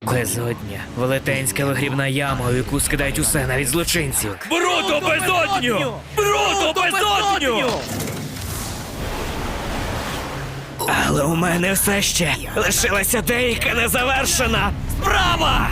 Безодня. Велетенська вигрібна яма, у яку скидають усе, навіть злочинців. Бруто безодню! Бруто безодню! Але у мене все ще лишилася деяка незавершена справа!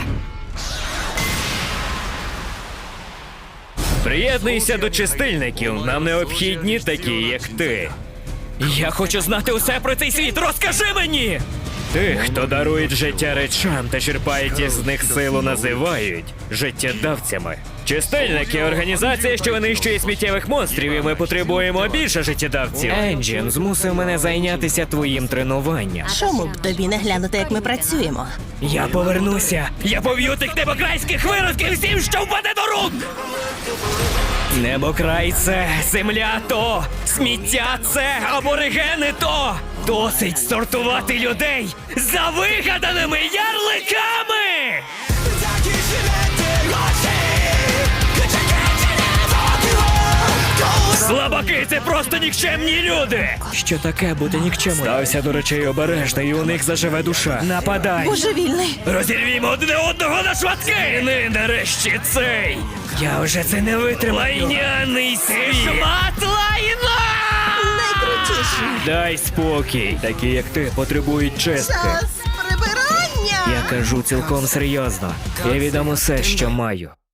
Приєднуйся до чистильників, нам необхідні такі, як ти. Я хочу знати усе про цей світ, розкажи мені! Тих, хто дарують життя речам та черпають із них силу, називають життєдавцями. Чистильники – організація, що винищує сміттєвих монстрів, і ми потребуємо більше життєдавців. Енджін змусив мене зайнятися твоїм тренуванням. Чому б тобі не глянути, як ми працюємо? Я повернуся! Я поб'ю тих небокрайських виродків всім, що впаде до рук! Небокрай це, земля то, сміття це, аборигени то! Досить сортувати людей за вигаданими ярликами! Слабаки – це просто нікчемні люди! Що таке бути нікчемним? Стався до речей обережно, і у них заживе душа. Нападай! Божевільний! Розірвімо одне одного на шматки! І нарешті цей! Я вже це не витримаю! Лайняний світ! Шмат лайна! Найкрутіший! Дай спокій! Такі, як ти, потребують чистки. Час прибирання! Я кажу цілком серйозно. Я віддам усе, що маю.